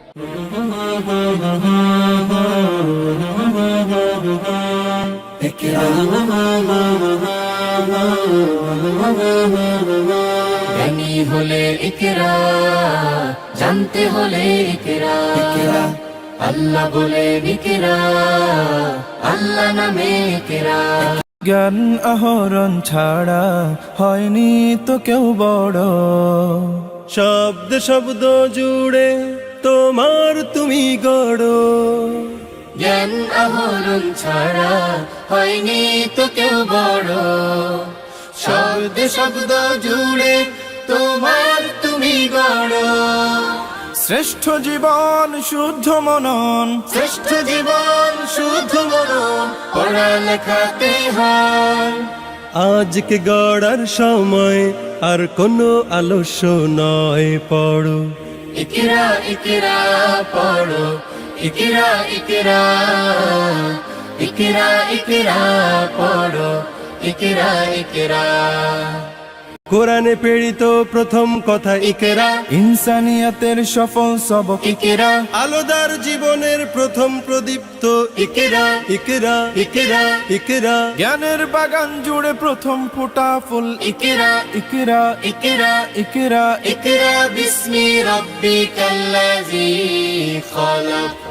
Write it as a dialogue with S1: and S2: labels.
S1: জ্ঞানী হলে ইকরা, জানতে হলে ইকরা, আল্লাহ বলে ইকরা, আল্লাহ নামে ইকরা।
S2: জ্ঞান আহরণ ছাড়া হয়নি তো কেউ বড়,
S3: শব্দ শব্দ জুড়ে তোমার তুমি গড়ো।
S1: জ্ঞান আহরণ ছাড়া হয়নি তো কেউ বড়, শব্দ শব্দ জুড়ে তোমার তুমি গড়ো।
S2: শ্রেষ্ঠ জীবন শুদ্ধ মনন,
S1: শ্রেষ্ঠ জীবন শুদ্ধ মনন, পড়ালেখাতে হয়।
S3: আজকে গড়ার সময় আর কোনো আলস্য নয়, পড়ো
S1: ইকরা ইকরা পড়ো, ইকরা ইকরা, ইকরা ইকরা পড়ো, ইকরা ইকরা।
S3: কোরআনে প্রেরিত প্রথম কথা ইকরা,
S2: ইনসানিয়াতের সফল সবক
S1: ইকরা
S3: আলোদার জীবনের প্রথম প্রদীপ্ত
S1: ইকরা,
S3: ইকরা,
S1: ইকরা
S3: ইকরা।
S2: জ্ঞানের বাগান জুড়ে প্রথম ফোটা ফুল
S1: ইকরা,
S2: ইকরা
S1: ইকরা,
S2: ইকরা।
S1: ইকরা বিস্মি রাব্বিকাল্লাযী খালাক।